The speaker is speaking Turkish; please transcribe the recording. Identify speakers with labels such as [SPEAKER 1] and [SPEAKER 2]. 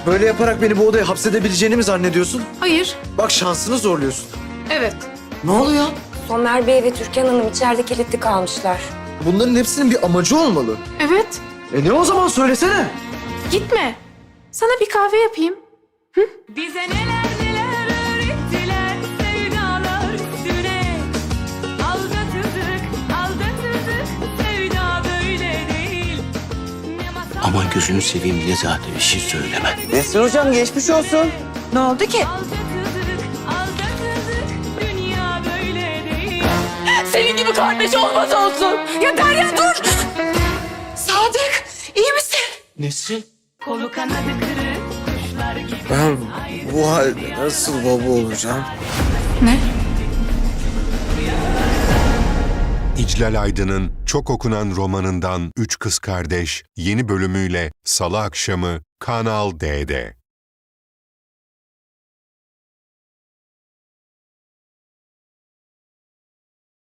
[SPEAKER 1] Böyle yaparak beni bu odaya hapsedebileceğini mi zannediyorsun?
[SPEAKER 2] Hayır.
[SPEAKER 1] Bak şansını zorluyorsun.
[SPEAKER 2] Evet.
[SPEAKER 1] Ne oluyor?
[SPEAKER 3] Somer Bey ve Türkan Hanım içeride kilitli kalmışlar.
[SPEAKER 1] Bunların hepsinin bir amacı olmalı.
[SPEAKER 2] Evet.
[SPEAKER 1] Ne o zaman söylesene.
[SPEAKER 2] Gitme. Sana bir kahve yapayım.
[SPEAKER 4] Bize neler neler öğrettiler sevdalar üstüne. Aldatıldık, aldatıldık, sevda böyle değil. Ne masal
[SPEAKER 5] Aman gözünü seveyim Nezahat, bir şey söyleme.
[SPEAKER 6] Nesrin hocam geçmiş olsun.
[SPEAKER 3] Ne oldu ki?
[SPEAKER 4] aldatıldık, aldatıldık, dünya böyle değil.
[SPEAKER 2] Senin gibi kardeş olmaz olsun. Ya Derya dur. Sadık, iyi misin?
[SPEAKER 5] Nesrin?
[SPEAKER 4] Kolu kanadı kırık, kuşlar gibi.
[SPEAKER 1] Ben bu halde nasıl baba olacağım?
[SPEAKER 2] Ne?
[SPEAKER 7] İclal Aydın'ın çok okunan romanından Üç Kız Kardeş yeni bölümüyle Salı akşamı Kanal D'de.